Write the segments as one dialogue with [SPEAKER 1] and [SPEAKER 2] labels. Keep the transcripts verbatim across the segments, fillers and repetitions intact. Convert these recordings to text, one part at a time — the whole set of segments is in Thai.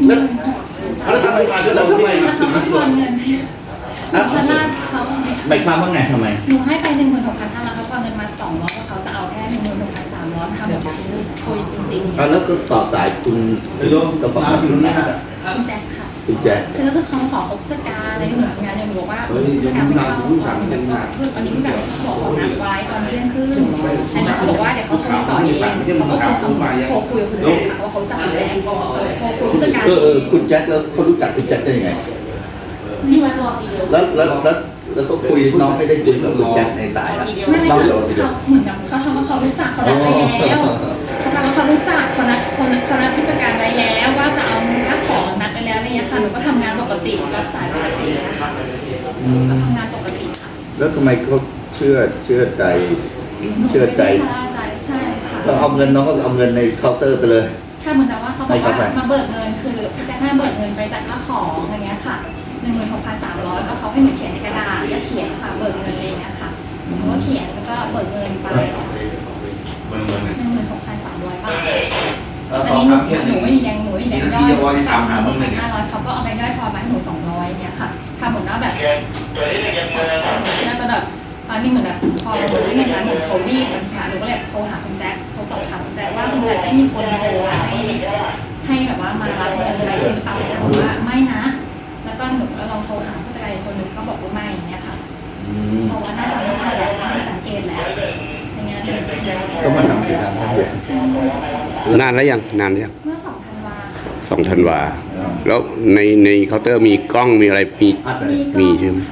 [SPEAKER 1] แล้วทำไมแล้วทำไมถึง
[SPEAKER 2] ทอนเงินนะชนะเขา
[SPEAKER 1] หมายความว่าไงทำไม
[SPEAKER 2] หนูให้ไปหนึ่งหมื่นหกพันห้าร้อยเขาทอนเงินมาสองร้อยเขาจะเอาแค่หนึ่งหมื่นหกพันสามร้อยทำแบบคุยจริงๆ
[SPEAKER 1] แล้วก็ต่อสายคุณกระเป๋าคุณแจ็ค
[SPEAKER 2] คุณแจ็คค่ะ
[SPEAKER 1] คุณแจ็ค
[SPEAKER 2] คือก็คือเขาขอผู้จัดการอะไรเหมือนงานเนี่ยหนูบอกว่าผู้จัดการไม่เข้าคืออันนี้ผู้จัดการเขาบอกเขานัดไว้ตอนเที่ยงคืนอันนี้เขาบอกว่าเดี๋ยวเขาโทรต่อเองเขาก็โทรโทรคุยกับคุณแจ็คค่ะว่าเขาจับคุณแจ็คโทรคุยผู้จัดการ
[SPEAKER 1] เออเออคุณแจ็คแล้วเขารู้จักคุณแจ็คได้ยังไง
[SPEAKER 2] มีวันรอปีเดียว
[SPEAKER 1] แล้วแล้วแล้วแล้วเขาคุยน้องไม่ได้คุยกับคุณแจ็คในสายนะ
[SPEAKER 2] ไม่ไม่
[SPEAKER 1] เล่า
[SPEAKER 2] เขา
[SPEAKER 1] เดี๋ยวสิ
[SPEAKER 2] เหมือนกับเขาทำว่าเขารู้จักเขานัดไปแล้วเขาทำว่าเขารู้จักเขานัดเขานัดเขานัดผู้จัดการไว้แล้วว่าจะเอาค่าของนัดไปแล้วอะไรเงี้ยค่ะหนูก็ทำงานปกติรับสายปกตินะคะก็ทำงานปกติค่ะ
[SPEAKER 1] แล้วทำไมเขาเชื่อเชื่อใจเชื่อใจ
[SPEAKER 2] ใช่ใจใช่ค่ะ
[SPEAKER 1] ก็เอาเงินน้องก็เอาเงินในเคาน์เตอร์ไปเลย
[SPEAKER 2] แค่เหมือนกับว่าเขาบอกว่ามาเบิกเงินคือพี่แจ็คให้เบิกเงินไปจากค่าของอะไรเงี้ยค่ะหนึ่งหมื่นหกพันสามร้อยก็เขาให้หนูเขียนในกระดาษแล้วเขียนค่ะเบิกเงินอะไรเงี้ยค่ะหนูก็เขียนแล้วก็เบิกเงินไปหนึ่งหมื่นหกพันสามร้อยบาทตอนนี้หนูหนูไม่มีแดงหนูไม่มีแดงย่อยทำหนึ่งพันห้าร้อยเขาก็เอาแบงค์ย่อยพอมาให้หนูสองร้อยเนี่ยค่ะทำเหมือนว่าแบบหนูเชื่อจะแบบตอนนี้เหมือนแบบพอหนูได้เงินมาหนูโทรรีบมันค่ะหนูก็เลยโทรหาคุณแจ็คโทรสอบถามคุณแจ็คว่าคุณแจ็คได้มีคนโทรให้ให้แบบว่ามารับเงินอะไรหรือเปล่าแจ็คบอกว่าไม่นะแล้วก็หนูก็ลองโทรหาผู้จัดการอีกคนหนึ่งก็บอกว่าไม่อย่างเงี้ยค่ะเพราะว่าน่าจะไม่ใช่แหละไม่สังเกตแหละอย่างเงี้ย
[SPEAKER 1] ก็มาทำกิจการทางเดีย
[SPEAKER 3] นานแล้วยังนานแล้วยัง
[SPEAKER 2] เมื่อสองธันวาค่ะ
[SPEAKER 3] สองธันวาแล้วในในเคาน์เตอร์มีกล้องมีอะไรมี
[SPEAKER 1] อัดเลย
[SPEAKER 3] มีใช่ไหม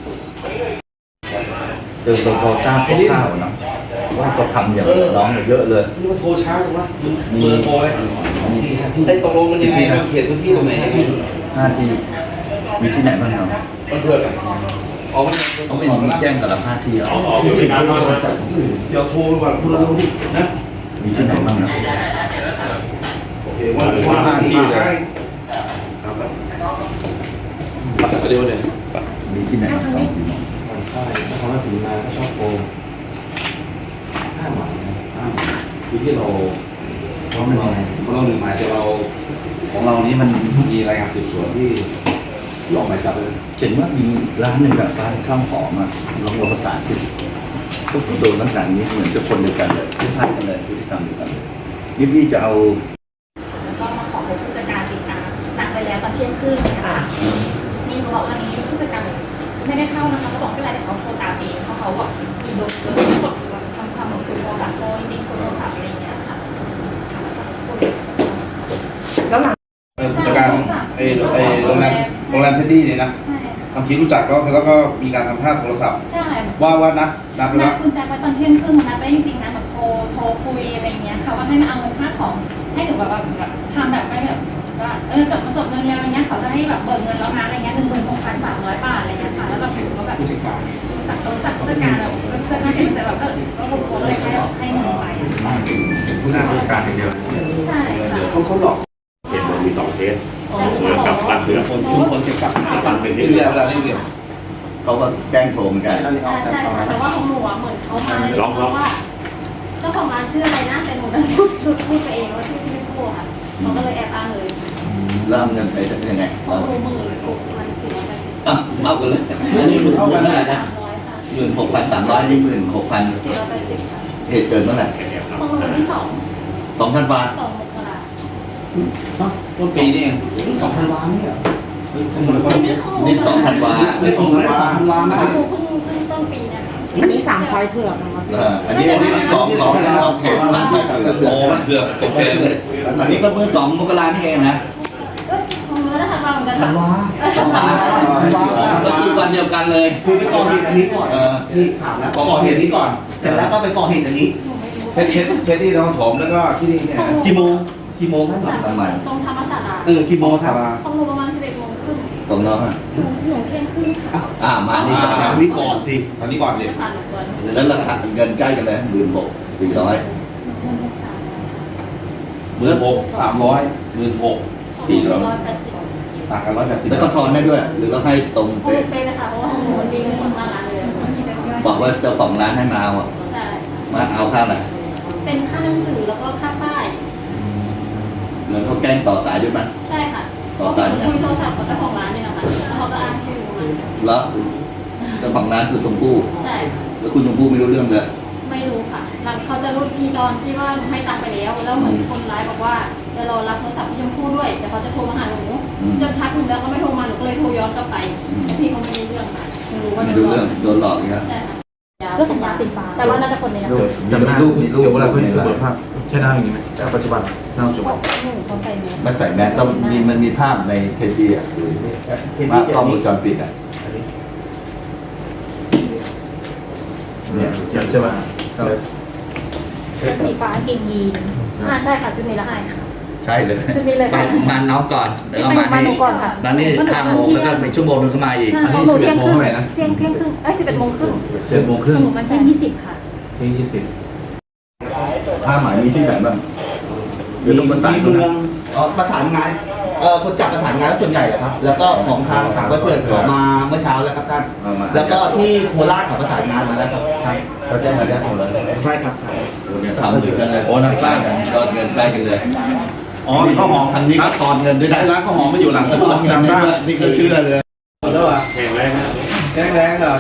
[SPEAKER 1] เดินเราพอทราบคร่าวๆนะว่าเขาทำอย่างน้องเยอะเลย
[SPEAKER 4] นี่มันโทรช้าจังวะเบอร์โทรเลยไอ้ตกลงมันยังไงมันเขียนพื้นที่ตรงไหนให้พี่
[SPEAKER 1] หน้าที่มีที่ไหนบ้างเนาะ
[SPEAKER 4] มันเพื่อกันอ๋อมัน
[SPEAKER 1] เขาไม่มีแจ้งแต่ละหน้าที่หรอ
[SPEAKER 4] เดี๋ยวโทรไปก่อนคุณเราดินะ
[SPEAKER 1] มีที่ไหนบ้างนะ
[SPEAKER 4] โอเคว่าว่าหน้าที่เลยครับมาจากเดียวเนี่ย
[SPEAKER 1] มีที่ไหนบ้าง
[SPEAKER 4] ผ่อนคลายนครราชสีมาก็ชอบโกงห้าหมายนะห้าหมายคือที่เราเพราะเราเพราะเราหนึ่งหมายแต่เราของเรานี้มันมีรายงานสืบสวนที่หลอกหมายจับเลย
[SPEAKER 1] เห็นว่ามีร้านหนึ่งแบบร้านข้าวหอมอ่ะลองลองภาษาสิก็โดนลักษณะนี้เหมือนจะคนเดียวกันเลยคล้ายๆกันเลยพฤติกรรมเดียวกันเลยนี่พี่จะเอา
[SPEAKER 2] แล้วก็มาขอให้ผู้จัดการติดตามนัดไปแล้วตอนเที่ยงคืนนะคะนี่เขาบอกว่านี้ผู้จัดการไม่ได้เข้านะคะเขาบอกไม่เป็นไรแต่เขาโทรตามเองเพราะเขาบอกอีโดนเกิดกดทำความเหมือนคุยโทรศัพท์โทรจริงๆคุยโทรศัพท์อะไรอย่างเงี้ยค่ะแล้วหลัง
[SPEAKER 4] ผู้จัดการไอ้ไอ้โรงแรมโรงแรมเท็ดดี้เนี่ยนะ
[SPEAKER 2] ใช่
[SPEAKER 4] บางทีรู้จักก็แล้วก็มีการทำท่าโทรศัพท์
[SPEAKER 2] ใช่
[SPEAKER 4] ว่าว่านัดนัดไป
[SPEAKER 2] นั
[SPEAKER 4] แล้
[SPEAKER 2] ด
[SPEAKER 4] ว
[SPEAKER 2] คุณแจ็คไว้ตอนเที่ยงครึ่งนัดไปจริงๆนะแบบโทรโทรคุยอะไรอย่างเงี้ยค่ะว่าให้มาเอาเงินค่าของให้หนูแบบแบบทำแบบไม่แบบว่าเออจบจบเงินแล้วอะไรเงี้ยเขาจะให้แบบเบิกเงินแล้วนะอะไรเงี้ยหนึ่งหมื่นหกพันสามร้อยบาทอะไรเงี้ยค่ะแล้วแบบหนูก็แบบ
[SPEAKER 4] ผู้จัดการ
[SPEAKER 2] รู้จักรู้จักผู้จัดการแบบก็เชื่อมั่นในใจแบบก็ก็บุกโกเลยให้ให้หนึ่งใบ
[SPEAKER 5] เป็นผู้หน้าราชการอย่างเดียว
[SPEAKER 2] ใช่ค่ะ
[SPEAKER 4] เขาเขาหลอก
[SPEAKER 5] เหตุมันมีสองเคส
[SPEAKER 2] โอ้
[SPEAKER 5] เหมือนกับบัตรเสือคนชุมพลเกี่ยวกับบัตรเป็น
[SPEAKER 4] นี่
[SPEAKER 5] ที่
[SPEAKER 4] เรียนเวลานี่เรียน
[SPEAKER 1] เขาก็แจ้งโทรเหมือนกัน
[SPEAKER 6] ใช่ค่ะแต่ว่าของหนูอะเหมือนเขามาเพราะว่าเจ้าของร้านชื่ออะไรนะแต่หนูดันพูดพูดพูดไปเองว่าชื่อที่ไม่พูดค่ะเขาก็เลยแอบอ้างเลย
[SPEAKER 1] เริ่มเงินไปจะเป็นยังไง
[SPEAKER 6] เขาโทรหมื่นหกพันสี่ร้อยแปดสิบ
[SPEAKER 1] อ่ะเอากันเลยอันนี้หมื่น
[SPEAKER 4] เท่ากันเท่าไหร่นะ
[SPEAKER 6] สามร้อยค่ะ
[SPEAKER 1] หมื่นหกพันสามร้อยนี่หมื่นหกพัน
[SPEAKER 6] สี่ร้อยแปดสิบค่ะ
[SPEAKER 1] เหตุเกิดเมื่อไหร่
[SPEAKER 6] ของหนูวันที่สอง
[SPEAKER 1] สองธันวา
[SPEAKER 6] สองมกรา
[SPEAKER 4] ต้นปีนี่เองสองพันล้านนี่เหรอเฮ้ยทั้งหมดเลย
[SPEAKER 6] อันนี้ของ
[SPEAKER 1] นี่สองธันวา
[SPEAKER 4] ไม่สองพันล้านสองพันล้านนะ
[SPEAKER 6] ของหนูเพิ่งเพิ่งต้นปีนะคะ
[SPEAKER 7] อันนี้สามพลอยเผือกนะครับ
[SPEAKER 1] เอออันนี้อันนี้สองสองสองเขตสามพันเกือบ
[SPEAKER 4] โอ้มันเกือบโอเคเลย
[SPEAKER 1] อันนี้ก็เมื่อสองมกรานี่เองนะ
[SPEAKER 6] เอ้ยของหนูได้ทันวาเหมือนกัน
[SPEAKER 4] ธันวา
[SPEAKER 1] ธันวาก็คือวันเดียวกันเลย
[SPEAKER 8] คือไปก่อเหตุอันนี้ก่อน
[SPEAKER 1] เออ
[SPEAKER 8] นี่ถามแล้วก่อเหตุนี้ก่อน เสร็จแล้วก็ไปก่อเหตุอันนี้
[SPEAKER 4] เทสเทสเทสที่นครถมแล้วก็ที่นี่เนี่ย
[SPEAKER 8] กี่โมง กี่โมงท่าน
[SPEAKER 6] สาม
[SPEAKER 1] ประมาณ
[SPEAKER 6] ตรงธรรมศาสตร์
[SPEAKER 8] เออ กี่โมงครับ
[SPEAKER 6] ของหนูประมาณสิบเอ็ดโมงครึ่ง
[SPEAKER 1] ตรงน้องอ่ะ
[SPEAKER 6] หนูหนูเที่ยงครึ่งค่ะ
[SPEAKER 1] อ่ามานี่
[SPEAKER 8] อ่า
[SPEAKER 1] ก็
[SPEAKER 8] อันนี้ก่อนสิ
[SPEAKER 4] อันนี้ก่อนเลย
[SPEAKER 6] ผ่านหนูก่อน
[SPEAKER 1] แล้วราคาเงินใกล้กันเลยหมื่นหกสี่ร้อย
[SPEAKER 6] หนึ่งหกสาม
[SPEAKER 4] หมื่นหกสามร้อยหมื่นหกสี่ร้อย
[SPEAKER 6] ร้อยแปดสิบ
[SPEAKER 4] ต่างกันร้อยแปดสิบ
[SPEAKER 1] แล้วก็ทอนได้ด้วย หรือว่าให้ตรง
[SPEAKER 6] โอ้
[SPEAKER 1] เป๊ะ
[SPEAKER 6] เป๊ะเลยค่ะเพราะว่าหนูมันมีเงินสดมาล้านเลยมันมีแบงค์ย่อย
[SPEAKER 1] บอกว่าเจ้าของร้านให้มาเอาอะ
[SPEAKER 6] ใช่
[SPEAKER 1] มาเอาค่าอะไร
[SPEAKER 6] เป็นค่าหนังสือแล้วก็ค่าป้าย
[SPEAKER 1] แล้วเขาแกล้งต่อสายด้วยมั้ย
[SPEAKER 6] ใช่ค่ะ
[SPEAKER 1] ต่อ
[SPEAKER 6] ก็
[SPEAKER 1] สายเนี่ย
[SPEAKER 6] คุยโทรศัพท์กับเจ้าของร้านเนี่ยแหละค่ะแล้วเขาก็อ้างชื่อมา
[SPEAKER 1] แล้วเจ้าของร้านคือชมพู่
[SPEAKER 6] ใช่
[SPEAKER 1] แล้วคุณชมพู่ไม่รู้เรื่องเลย
[SPEAKER 6] ไม่รู้ค่ะหลังเขาจะรู้ทีตอนที่ว่าหนูให้ตังค์ไปแล้ว แล้วเหมือนคนร้ายบอกว่าจะรอรับโทรศัพท์พี่ชมพู่ด้วยแต่เขาจะโทรมาหาหนูจนทักหนูแล้วก็ไม่โทรมาหนูก็เลยโทรย้อนกลับไปแต่พี่เขาไม่ได้เรื่องค่ะหนูรู้ว่า
[SPEAKER 1] ไม่
[SPEAKER 6] โด
[SPEAKER 1] รู้
[SPEAKER 6] นหล
[SPEAKER 1] เรื่
[SPEAKER 6] อ
[SPEAKER 1] อง
[SPEAKER 6] ก
[SPEAKER 1] โดนหลอกอีกแล้ว
[SPEAKER 6] ใช่ค่ะ
[SPEAKER 7] เสื้อแขนยาวสีฟ้า
[SPEAKER 6] แต่ว่าน่าจะคนนี้นะ
[SPEAKER 1] จำได้รูปมีรูป
[SPEAKER 4] เดี๋ยวเวลาเขา
[SPEAKER 1] ใน
[SPEAKER 4] เปิ
[SPEAKER 1] ไล
[SPEAKER 4] ด
[SPEAKER 1] น์
[SPEAKER 4] ภาพใช่หน้าอย่างนี้ไหมแต่ปัจจุบันหน้าปัจจุบัน
[SPEAKER 6] หนูเขาใส่แมส
[SPEAKER 1] ไม่ใส่แมสต้องมีมันมีภาพในเทปดีอ่ะ
[SPEAKER 8] เห็น
[SPEAKER 1] ภา
[SPEAKER 8] ที่
[SPEAKER 1] พกล้องว
[SPEAKER 8] นี้
[SPEAKER 1] งจรปิดอ่ะ
[SPEAKER 4] เนี่ยใช่ไหม
[SPEAKER 7] เสื้อสีฟ้ากางเกงยีน
[SPEAKER 6] อ่าใช่ค่ะชุดนี้ละ
[SPEAKER 2] ใช่ค่ะ
[SPEAKER 8] ใช่เลย
[SPEAKER 6] ชุดนี้เลย
[SPEAKER 8] ไป
[SPEAKER 6] ค่ะ
[SPEAKER 8] มาน้องก่อนแล้วก็มา
[SPEAKER 6] มาหนู
[SPEAKER 8] นี่
[SPEAKER 6] ก่อนค่ะ
[SPEAKER 8] มานี่ห้าโมงแล้วก็มีชั่วโมงนึงก็มาอีก
[SPEAKER 6] ใช่
[SPEAKER 4] อันนี้
[SPEAKER 6] หนู
[SPEAKER 4] สิบ
[SPEAKER 6] เที่
[SPEAKER 4] เอ็
[SPEAKER 6] ย
[SPEAKER 4] ด
[SPEAKER 6] ง
[SPEAKER 4] โม
[SPEAKER 6] ค
[SPEAKER 4] ง
[SPEAKER 6] รึ่ง
[SPEAKER 4] เท่าไหร่นะ
[SPEAKER 6] เที่ยงเที่ยงครึ่งเอ้ยสิบเอ็ดโมงครึ่ง
[SPEAKER 4] เจ็ดโมงครึ่ง
[SPEAKER 6] หนูมัน
[SPEAKER 7] เส้
[SPEAKER 6] ใช่
[SPEAKER 7] นยี่สิบค่ะ
[SPEAKER 4] ที่ยี่สิบ
[SPEAKER 1] ผ้าหมายมีที่ไหนบ้างเดี๋ยวต้องประสาน
[SPEAKER 8] มี
[SPEAKER 1] ดู
[SPEAKER 8] เมือ
[SPEAKER 1] นะ
[SPEAKER 8] งอ๋อประสานงานเอ่อคนจัดประสานงานส่วนใหญ่เหรอครับ แล้วก็ของทางสามวัตเพื่อนเขามาเมื่อเช้าแล้วครับท่าน
[SPEAKER 1] เอามา
[SPEAKER 8] แล้วก็ที่โคราชเขาประสานงานมาแล้วครับท่าน
[SPEAKER 1] เขาแจ้งมาแล้วหมดเลย
[SPEAKER 8] ใช่ครับ
[SPEAKER 1] เนี่ยทำเหมือนกันเลย
[SPEAKER 8] โอ้นักสร้าง
[SPEAKER 1] กันก็เงินใกล้กันเลย
[SPEAKER 4] อ๋อข้าวหอม
[SPEAKER 1] ทางนี้ก็ทอนเงินด้วยนะ
[SPEAKER 4] ร้านข้าวหอมมาอยู่หลังกระทรวงการสร้าง
[SPEAKER 1] นี่ก็เชื่อเลยแล้วอ่ะ
[SPEAKER 5] แข็งแรงนะ
[SPEAKER 1] แรงแรงอ่ะ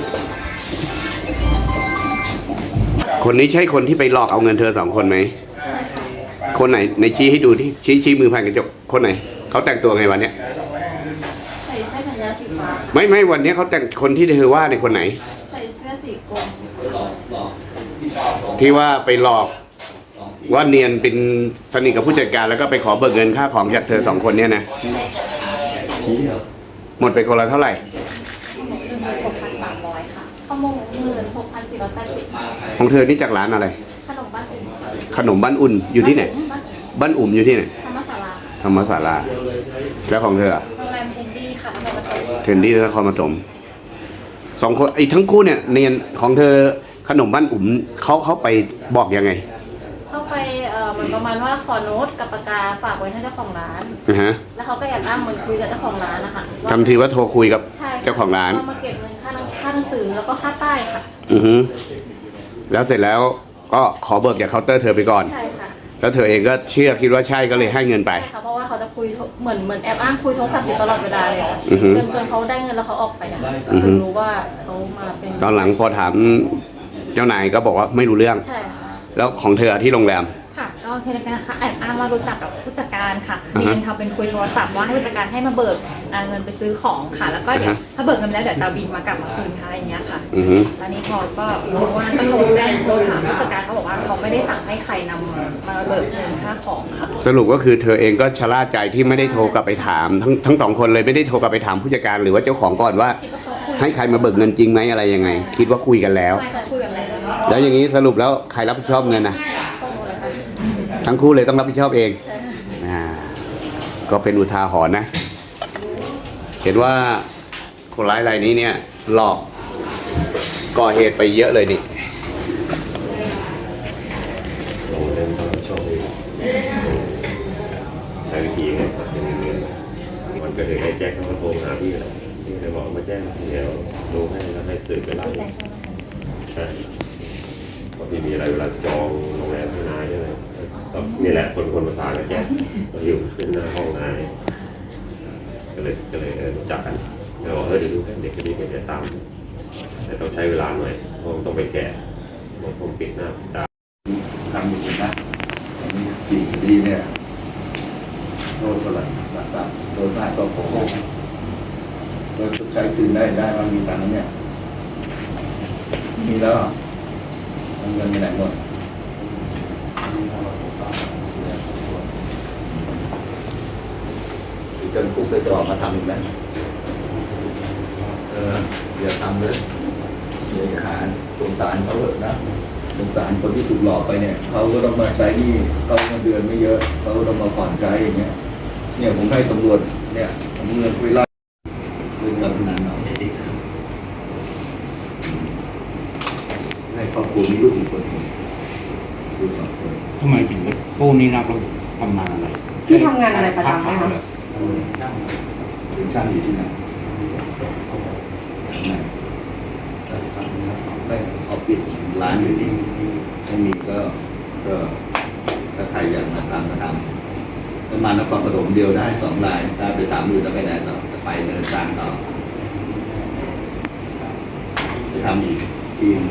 [SPEAKER 3] คนนี้ใช่คนที่ไปหลอกเอาเงินเธอสองคนไหม คนไหนในชี้ให้ดูที่ชี้ชี้มือผ่านกระจกคนไหนเขาแต่งตัวไงวันเนี้ย
[SPEAKER 6] ใส่เสื้อแขนยาวสีฟ้า
[SPEAKER 3] ไม่ไม่วันเนี้ยเขาแต่งคนที่เธอว่าในยคนไหน
[SPEAKER 6] ใส่เสื้อสีกรม
[SPEAKER 1] หลอกหลอก
[SPEAKER 3] ที่ว่าไปหลอกว่าเนียนเป็นสนิทกับผู้จัดการแล้วก็ไปขอเบิกเงินค่าของจากเธอสองคนเนี่ยนะ
[SPEAKER 1] ชี้เหรอ
[SPEAKER 3] หมดไปคนละเท่าไหร่
[SPEAKER 2] หนึ่งหมื่นหกพันสามร้อยค่ะ
[SPEAKER 6] ข้าวโมงหมื่นหกพันสี่ร้อยแปดสิบ
[SPEAKER 3] ของเธอนี่จากร้านอะไร
[SPEAKER 6] ขนมบ้านอุ่น
[SPEAKER 3] ขนมบ้านอุ่นอยู่ที่ไหน
[SPEAKER 6] บ้านอุ่น
[SPEAKER 3] บ้านอุ่มอยู่ที่ไหน
[SPEAKER 6] ธรรมศาลา
[SPEAKER 3] ธรรมศาลาแล้วของเธออะ
[SPEAKER 2] โรงแรมเชนดี้ค่ะนครปฐม
[SPEAKER 3] เทรนดี้นครปฐมสองคนไอ้ทั้งคู่เนี่ยเนียนของเธอขนมบ้านอุ่มเขาเขาไปบอกยังไง
[SPEAKER 6] เข้าไปเอ่อเหมือนประมาณว่าขอโน้ตกับปากกาฝากไว้ให้เจ้าของร้าน
[SPEAKER 3] นะฮะ
[SPEAKER 6] แล้วเขาก็แอบอ้างเหมือนคุยกับเจ้าของร้านนะคะว่า
[SPEAKER 3] ทำทีว่าโทรคุยกับ
[SPEAKER 6] ใช่ค่ะ
[SPEAKER 3] เจ้าของร้าน
[SPEAKER 6] ว่มาเก็บเงินค่าหนังค่าหนังสือแล้วก็ค่าป้ายค่ะ
[SPEAKER 3] อือฮึแล้วเสร็จแล้วก็ขอเบิกจากเคาน์เตอร์เธอไปก่อน
[SPEAKER 6] ใช่ค่ะ
[SPEAKER 3] แล้วเธอเองก็เชื่อคิดว่าใช่ก็เลยให้เงินไป
[SPEAKER 6] ใช่ค่ะเพราะว่าเขาจะคุยโทรเหมือนเหมือนแอบอ้างคุยโทรศัพท์อยู่ตลอดเวลาเลยค่ะ
[SPEAKER 3] อือฮึ
[SPEAKER 6] จนจนเขาได้เงินแล้วเขาออกไปอะค่ะ
[SPEAKER 3] อือฮึ
[SPEAKER 6] ถึงรู้ว่าเขามาเป็น
[SPEAKER 3] ตอนหลังพอถามเจ้านายก็บอกว่าไม่รู้เรื่อง
[SPEAKER 6] ใช่ค่ะ
[SPEAKER 3] แล้วของเธอที่โรงแรม
[SPEAKER 2] ค่ะ ก็คือนะคะแอบอ้างว่ารู้จักกับผู้จัดการค่ะ
[SPEAKER 3] อ่าฮะ
[SPEAKER 2] เรียนทำเป็นคุยโทรศัพท์ว่าให้ผู้จัดการให้มาเบิกอ่าเงินไปซื้อของค่ะ แล้วก็เดี๋ยว
[SPEAKER 3] อ่าฮะ
[SPEAKER 2] ถ้าเบิกเงินไปแล้วเดี๋ยวจะเอาบินมากลับมาคืนค่ะอะไรอย่างเงี้ยค่ะ
[SPEAKER 3] อือฮึ
[SPEAKER 2] แล้วนี่พอก็รู้ว่าก็โทรแจ้งโทรถามผู้จัดการเขาบอกว่าเขาไม่ได้สั่งให้ใครนำมาเบิกเงินค่าของค่ะ
[SPEAKER 3] สรุปก็คือเธอเองก็ชะล่าใจที่ไม่ได้โทรกลับไปถามทั้งทั้งสองคนเลยไม่ได้โทรกลับไปถามผู้จัดการหรือว่าเจ้าของก่อนว่า
[SPEAKER 2] คิดว่าเขาคุย
[SPEAKER 3] ให้ใครมาเบิกเงินจริงไหมอะไรยังไง คิดว่าคุยกันแล้ว
[SPEAKER 2] ใช่เขาคุยกันแล้ว
[SPEAKER 3] แล้วอย่างนี้สรุปแล้วใครรับผิดชอบเงินนะ
[SPEAKER 6] ก็รู้เลยค่ะ
[SPEAKER 3] ทั้งคู่เลยต้องรับผิดชอบเอง
[SPEAKER 6] ใช่ค่ะ
[SPEAKER 3] อ่าก็เป็นอุทาหรณ์นะ เห็นว่าคนร้ายรายนี้เนี่ยหลอกก่อเหตุไปเยอะเลยนี่
[SPEAKER 5] ลงเล่นต้องชอบเองใช้วิธีไงครับยังเงินวันเกิดเหตุไอ้แจ็คเขาก็โทรหาพี่แล้วพี่เลยบอกมาแจ้งเดี๋ยวดูให้แล้วให้สืบไปไล่ใช่เพราะพี่มีอะไรเวลาจองโรงแรมให้นายอะไรก็นี่แหละคนคนประสานกับแจ็คก็อยู่ขึ้นหน้าห้องนายก็เลยก็เลยเออรู้จักกันแล้วบอกเออเดี๋ยวดูให้เด็กคนนี้ไปเดี๋ยวตามแต่ต้องใช้เวลาหน่อยเพราะต้องไปแกะผมปิดหน้าปิดตา
[SPEAKER 1] ทำอยู่นะตอนนี้กี่คดีเนี่ยโดนเท่าไหร่หลักทรัพย์โดนมากก็โกงโดนชดใช้คืนได้ได้มามีตังค์เนี่ย มีแล้วเหรอเอาเงินไปไหนหมดคือจนคุกไปต่อมาทำอีกไหมเอออย่าทำเลยอย่าหาสงสารเขาเถอะนะ สงสารคนที่ถูกหลอกไปเนี่ยเขาก็ต้องมาใช้หนี้เขาเงินเดือนไม่เยอะเขาก็ต้องมาผ่อนใช้อย่างเงี้ยเนี่ยผมให้ตำรวจเนี่ยผมเงินคุยไล่คืนกับทุนเอาให้ครอบครัวมีลูกอีกคนหนึ่งลูกสองคน
[SPEAKER 8] ทำไมถึงกู้นี่รับเราทำงานอะไร
[SPEAKER 7] พี่ทำงานอะไรประจำไหมคะ
[SPEAKER 1] เป็นช่างอยู่ที่ไหนไหนไม่เอาปิดร้านอยู่ที่ไม่มีก็ก็ถ้าใครอยากมาทำก็ทำประมาณนครปฐมเดียวได้สองรายถ้าไปสามหมื่นแล้วไปไหนต่อจะไปเนินกลางต่อจะทำอีกทีม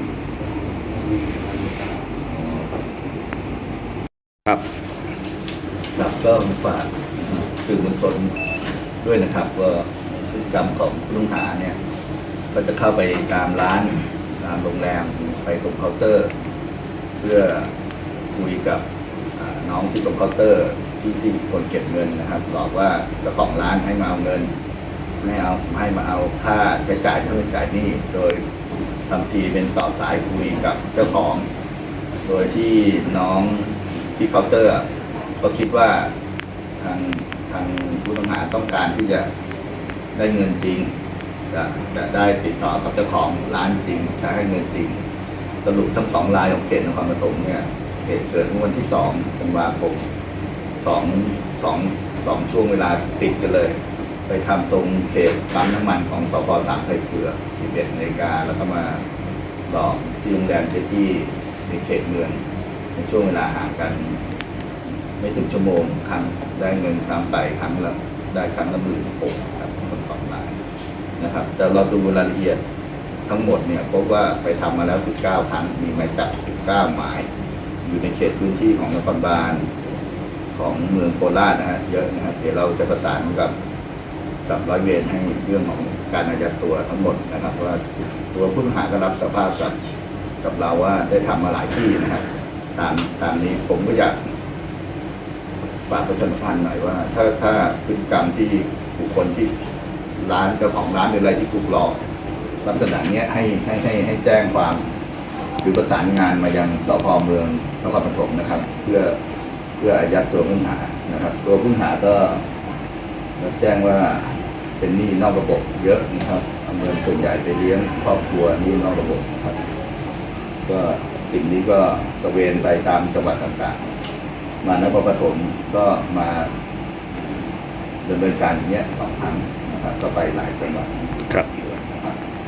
[SPEAKER 3] ครับ
[SPEAKER 1] ครับก็ฝากสื่อมวลชนด้วยนะครับว่าพฤติกรรมของผู้ต้องหาเนี่ย ก็จะเข้าไปตามร้านตามโรงแรมไปตรงเคาน์เตอร์ เพื่อคุยกับอ่าน้องที่ตรงเคาน์เตอร์ที่ที่คนเก็บเงินนะครับบอกว่าเจ้าของร้านให้มาเอาเงินให้เอาให้มาเอาค่าใช้จ่ายเท่าใช้จ่ายหนี้โดยทำทีเป็นต่อสายคุยกับเจ้าของ โดยที่น้องที่เคาน์เตอร์ ก็คิดว่าทางทางผู้ต้องหาต้องการที่จะได้เงินจริงจะจะได้ติดต่อกับเจ้าของร้านจริงจะให้เงินจริง สรุปทั้งสองรายของเขตนครปฐมเนี่ยเหตุเกิดเมื่อวันที่สองธันวาคมสองสองสองช่วงเวลาติดกันเลย ไปทำตรงเขตปั๊มน้ำมันของสพสามไผ่เผือกสิบเอ็ดนาฬิกาแล้วก็มาหลอกที่โรงแรมเทตี้ในเขตเมืองในช่วงเวลาห่างกัน ไม่ถึงชั่วโมงครั้งได้เงินครั้งไปครั้งละได้ครั้งละหมื่นหกครับคนสองรายนะครับแต่เราดูรายละเอียดทั้งหมดเนี่ยพบว่าไปทำมาแล้วสิบเก้าครั้งมีหมายจับสิบเก้าหมาย อยู่ในเขตพื้นที่ของนครบาลของเมืองโคราชนะฮะเยอะนะครับเดี๋ยวเราจะประสานกับกับร้อยเวรให้เรื่องของการอายัดตัวทั้งหมดนะครับว่าตัวผู้ต้องหาก็รับสภาพกับกับเราว่าได้ทำมาหลายที่นะครับตามตามนี้ผมก็อยากฝากประชาสัมพันธ์หน่อยว่า ถ้าถ้าพฤติกรรมที่บุคคลที่ร้านเจ้าของร้านหรืออะไรที่ถูกหลอกลักษณะเนี้ยให้ให้ให้ให้แจ้งความหรือประสานงานมายังสพเมืองนครปฐมนะครับ เพื่อเพื่ออายัดตัวผู้ต้องหานะครับ ตัวผู้ต้องหาก็รับแจ้งว่าเป็นหนี้นอกระบบเยอะนะครับเอาเงินส่วนใหญ่ไปเลี้ยงครอบครัวหนี้นอกระบบนะครับ ก็สิ่งนี้ก็ตระเวนไปตามจังหวัดต่างๆ มานครปฐมก็มาดำเนินการอย่างเงี้ยสองครั้งนะครับ ก็ไปหลายจังหวัด
[SPEAKER 3] ครับ
[SPEAKER 1] นะครับ